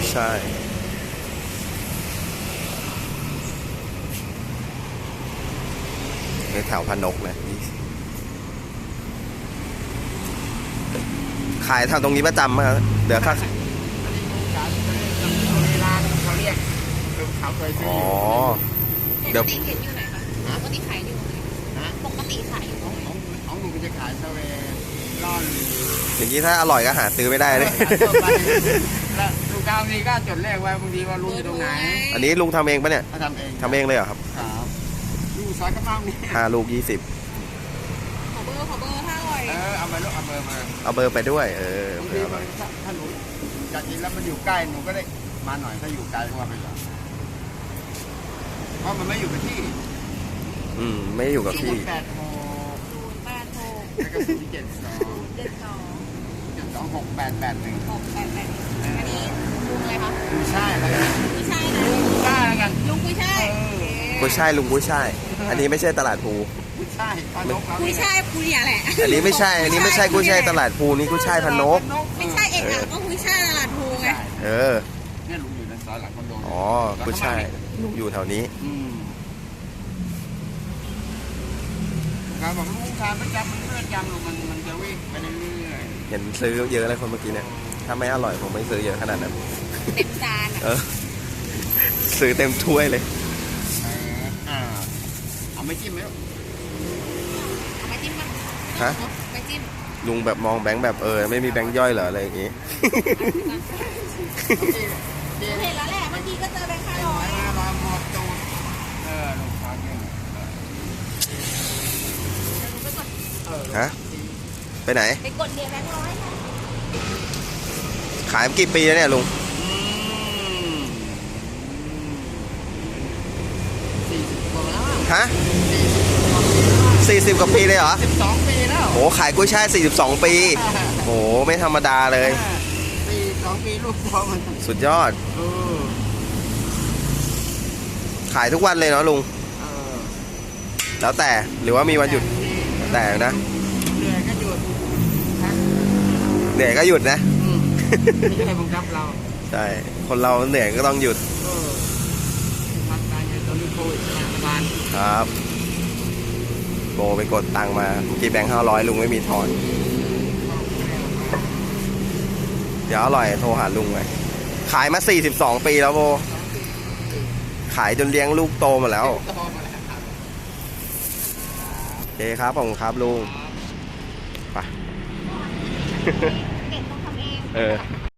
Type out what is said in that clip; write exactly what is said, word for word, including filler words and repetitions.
ใช่ในแถวพนกนะขายทางตรงนี้ประจำมากเดี๋ยวถ้าเขาเรียกเขาเคยซื้ออ๋อเดี๋ยวปกติเห็นอยู่ไหนคะปกติขายอยู่ไหนปกติขายอยู่ของของของหนูก็จะขายเซเว่นร่อนอย่างนี้ถ้าอร่อยก็หาซื้อไม่ได้เลยแล้วลูกค้าบางทีก็จดเลขไว้บางทีว่าลุงอยู่ตรงไหนอันนี้ลุงทำเองปะเนี่ยทำเองทำเองเลยเหรอครับครับลูกซอยกระเพราเนี่ยห้าลูกยี่สิบขอเบอร์ขอเบอร์ถ้าอร่อยเออเอามาลูกเอาเบอร์มาเอาเบอร์ไปด้วยเออบางทีถ้าหนูอยากกินแล้วมันอยู่ใกล้หนูก็ได้มาหน่อยถ้าอยู่ไกลก็ว่าไปก่อนเพราะมันไม่อยู่กับที่อืมไม่อยู่กับที่แปดหกศูนย์แปดหกแล้วก็ศูนย์เจ็ดสองเจ็ดสองเจ็ดสองหกแปดแปดหนึ่งหกแปดแปดอันนี้ลุงอะไรคะกุ้ยช่ายแล้วกันกุ้ยช่ายนะกุ้ยช่ายแล้วกันลุงกุ้ยช่ายกุ้ยช่ายลุงกุ้ยช่ายอันนี้ไม่ใช่ตลาดภูกุ้ยช่ายพนกกุ้ยช่ายภูเนี่ยแหละอันนี้ไม่ใช่อันนี้ไม่ใช่กุ้ยช่ายตลาดภูนี่กุ้ยช่ายพนกไม่ใช่เอกอ่ะก็กุ้ยช่ายตลาดภูไงเออเนี่ยลุงอยู่ในซอยหลังคอนโดอ๋อกุ้ยช่ายลุงอยู่แถวนี้การบอกลูกค้าประจำมันเลื่อนยำลงมันมันจะวิ่งไปเรื่อยเห็นซื้อเยอะเลยคนเมื่อกี้เนี่ยถ้าไม่อร่อยผมไม่ซื้อเยอะขนาดนั้นเต็มจานเออซื้อเต็มถ้วยเลยอ่าเอาไม่จิ้มไหมเอาไม่จิ้มป่ะฮะไม่จิ้มลุงแบบมองแบงค์แบบเออไม่มีแบงค์ย่อยเหรออะไรอย่างงี้เห็นแล้วแหละเมื่อกี้ก็เจอแบงค์ห้าร้อยห้าร้อยหมดตูดเออลูกค้าเนี่ยฮะไปไหนไปกดเดียแบงค์ร้อยขายมากี่ปีแล้วเนี่ยลุงฮะสี่สิบกว่าปีเลยเหรอสิบสองปีแล้วโหขายกุ้ยช่ายสี่สิบสองปีโหไม่ธรรมดาเลยสี่สิบสองปีลูกพอมันสุดยอดขายทุกวันเลยเนาะลุงแล้วแต่หรือว่ามีวันหยุดแต่นะเหนื่อยก็หยุดเหนื่อยก็หยุดนะไม่ใช่บังคับเราใช่คนเราเหนื่อยก็ต้องหยุดทำการเงินตอนนี้โควิดรัฐบาลครับโบไปกดตังมาเมื่อกี้แบงค์ห้าร้อยลุงไม่มีถอนเดี๋ยวอร่อยโทรหาลุงเลยขายมาสี่สิบสองปีแล้วโบขายจนเลี้ยงลูกโตมาแล้วโอเคครับผมครับลุงไปเก่งต้องทำเองเออ